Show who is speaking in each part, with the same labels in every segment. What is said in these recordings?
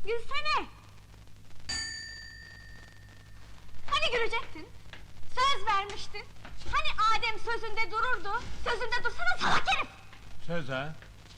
Speaker 1: Gülsene! Hani gülecektin? Söz vermiştin! Hani Adem sözünde dururdu? Sözünde dursana salak herif!
Speaker 2: Söz ha?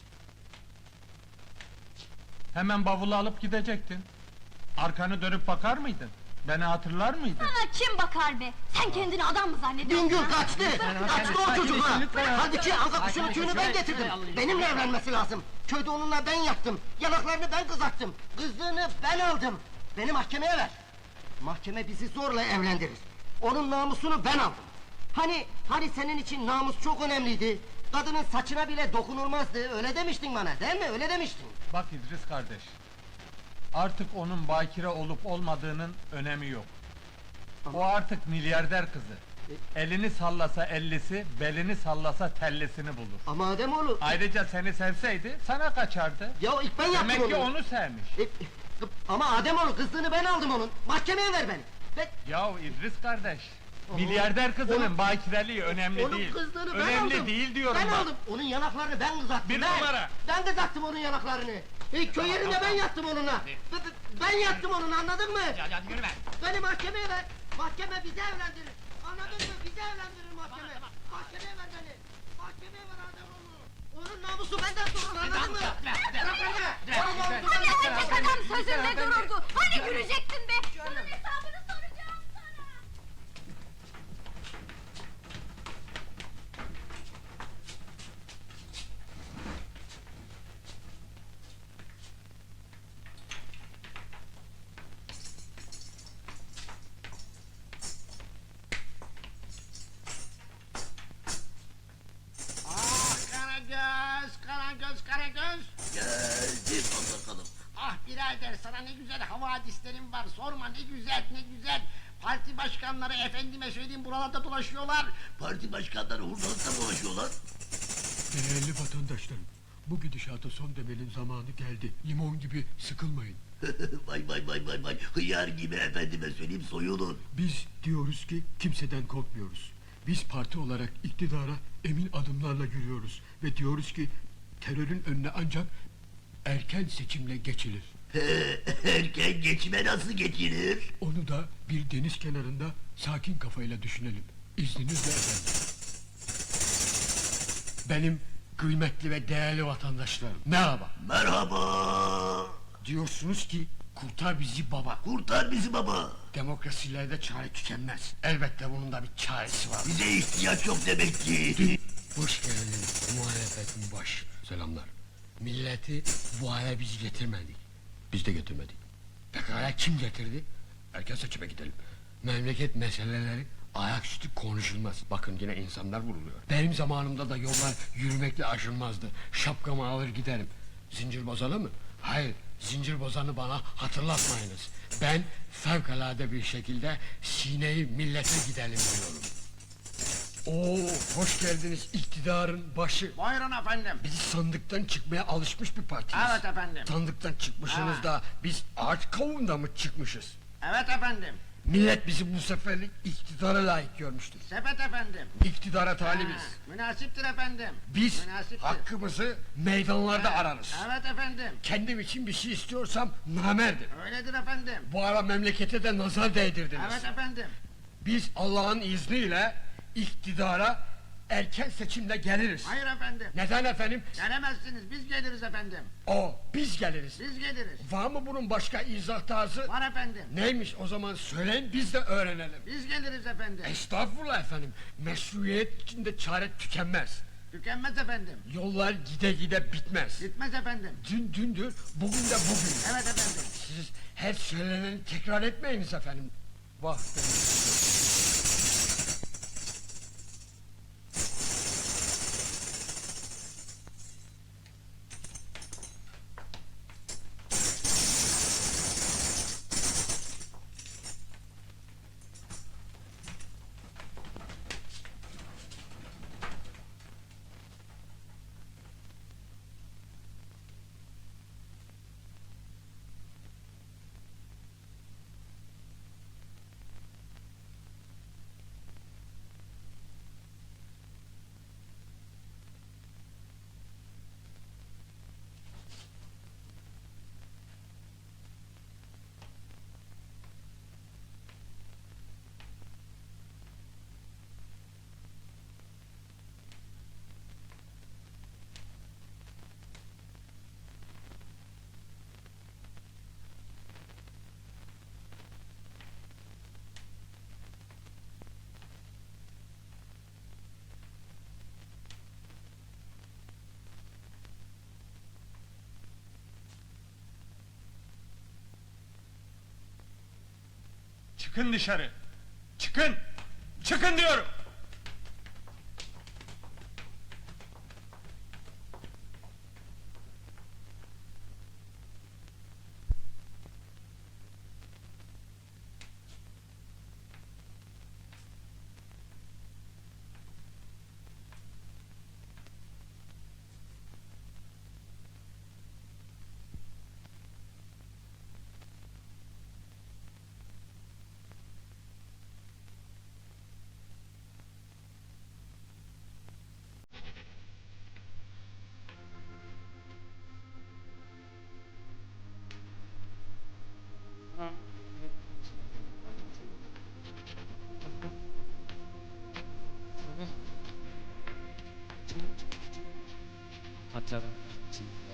Speaker 2: Hemen bavulu alıp gidecektin. Arkanı dönüp bakar mıydın? Beni hatırlar mıydın?
Speaker 1: Sana kim bakar be? Sen kendini adam mı zannediyorsun?
Speaker 3: Bingöl
Speaker 1: ha?
Speaker 3: kaçtı! Kaçtı o çocukla! Halbuki anka kuşunun tüyünü ben getirdim! Benimle evlenmesi lazım! Köyde onunla ben yattım! Yanaklarını ben kızarttım! Kızlığını ben aldım! Beni mahkemeye ver! Mahkeme bizi zorla evlendirir! Onun namusunu ben aldım! Hani senin için namus çok önemliydi! Kadının saçına bile dokunulmazdı, öyle demiştin bana, değil mi? Öyle demiştin!
Speaker 2: Bak İdris kardeş. Artık onun bakire olup olmadığının önemi yok. O artık milyarder kızı. Elini sallasa ellisi, belini sallasa tellisini bulur.
Speaker 3: Ama Ademoğlu...
Speaker 2: Ayrıca seni sevseydi sana kaçardı.
Speaker 3: Ya ilk ben yaptım
Speaker 2: Demek ki
Speaker 3: onu!
Speaker 2: onu sevmiş.
Speaker 3: Ama Ademoğlu kızlığını ben aldım onun! Mahkemeye ver beni!
Speaker 2: Yahu İdris kardeş, milyarder kızının
Speaker 3: Onun-
Speaker 2: bakireliği önemli
Speaker 3: Onun
Speaker 2: değil.
Speaker 3: kızlığını ben
Speaker 2: Önemli
Speaker 3: aldım!
Speaker 2: değil diyorum
Speaker 3: Ben
Speaker 2: bak.
Speaker 3: aldım! Onun yanaklarını ben kızarttım!
Speaker 2: Bir
Speaker 3: ben!
Speaker 2: numara!
Speaker 3: Ben kızarttım onun yanaklarını! Köy yerinde ben yattım onunla! Ben yattım onunla, anladın mı?
Speaker 4: Hadi yürü be!
Speaker 3: Beni mahkemeye ver! Mahkeme bizi evlendirir! Anladın mı? Bizi evlendirir mahkeme! Mahkemeye ver beni! Mahkemeye ver Ademoğlu! Onun namusu benden sorulur, anladın mı? Bırak beni! Onun namusu
Speaker 1: Hani
Speaker 3: benden
Speaker 1: erkek
Speaker 3: sorulur.
Speaker 1: adam sözünde dururdu? Hani gülecektin be? Bunun hesabını soracağım sana!
Speaker 4: Ah Karagöz, Karagöz, Karagöz!
Speaker 5: Geldim bakalım.
Speaker 4: Ah birader sana ne güzel havadislerim var, sorma ne güzel, ne güzel! Parti başkanları efendime söyleyeyim buralarda dolaşıyorlar.
Speaker 5: Parti başkanları hurdalıkta dolaşıyorlar.
Speaker 6: Değerli vatandaşlarım, bu gidişata son demenin zamanı geldi. Limon gibi sıkılmayın.
Speaker 5: Vay vay vay vay vay. Hıyar gibi efendime söyleyeyim soyulun.
Speaker 6: Biz diyoruz ki kimseden korkmuyoruz. Biz parti olarak iktidara emin adımlarla yürüyoruz. Ve diyoruz ki terörün önüne ancak erken seçimle geçilir.
Speaker 5: Erken geçime nasıl geçilir?
Speaker 6: Onu da bir deniz kenarında sakin kafayla düşünelim. İzninizle efendim. Benim kıymetli ve değerli vatandaşlarım, merhaba.
Speaker 5: Merhaba.
Speaker 6: Diyorsunuz ki kurtar bizi baba.
Speaker 5: Kurtar bizi baba.
Speaker 6: Demokrasilerde çare tükenmez. Elbette bunun da bir çaresi var.
Speaker 5: Bize ihtiyaç yok demek ki.
Speaker 6: Hoş geldin muhalefetin baş. Selamlar. Milleti bu hale biz getirmedik. Biz de getirmedik. Pekala kim getirdi? Erken seçime gidelim. Memleket meseleleri ayaküstü konuşulmaz. Bakın yine insanlar vuruluyor. Benim zamanımda da yollar yürümekle aşılmazdı. Şapkamı alır giderim. Zincir bozanı mı? Hayır, zincir bozanı bana hatırlatmayınız. Ben fevkalade bir şekilde sineyi millete gidelim diyorum. Oo, hoş geldiniz iktidarın başı.
Speaker 4: Buyurun efendim.
Speaker 6: Biz sandıktan çıkmaya alışmış bir partiyiz.
Speaker 4: Evet efendim.
Speaker 6: Sandıktan çıkmışsınız
Speaker 4: Evet.
Speaker 6: da biz ağaç kavuğunda mı çıkmışız?
Speaker 4: Evet efendim.
Speaker 6: Millet bizi bu seferlik iktidara layık görmüştür.
Speaker 4: Sepet efendim.
Speaker 6: İktidara talibiz.
Speaker 4: Ha, münasiptir efendim.
Speaker 6: Biz
Speaker 4: Münasiptir.
Speaker 6: hakkımızı meydanlarda ararız.
Speaker 4: Evet efendim.
Speaker 6: Kendim için bir şey istiyorsam namerdim.
Speaker 4: Öyledir efendim.
Speaker 6: Bu ara memlekete de nazar değdirdiniz.
Speaker 4: Evet efendim.
Speaker 6: Biz Allah'ın izniyle iktidara erken seçimle geliriz.
Speaker 4: Hayır efendim.
Speaker 6: Neden efendim?
Speaker 4: Gelemezsiniz, biz geliriz efendim.
Speaker 6: Biz geliriz.
Speaker 4: Biz geliriz.
Speaker 6: Var mı bunun başka izah tarzı?
Speaker 4: Var efendim.
Speaker 6: Neymiş o zaman söyleyin biz de öğrenelim.
Speaker 4: Biz geliriz efendim.
Speaker 6: Estağfurullah efendim. Meşruiyet içinde çare tükenmez.
Speaker 4: Tükenmez efendim.
Speaker 6: Yollar gide gide bitmez.
Speaker 4: Gitmez efendim.
Speaker 6: Dün dündür, bugün de bugün.
Speaker 4: Evet efendim.
Speaker 6: Siz her söyleneni tekrar etmeyiniz efendim. Vah benim.
Speaker 2: Çıkın dışarı! Çıkın! Çıkın diyorum!
Speaker 7: Hatırladım.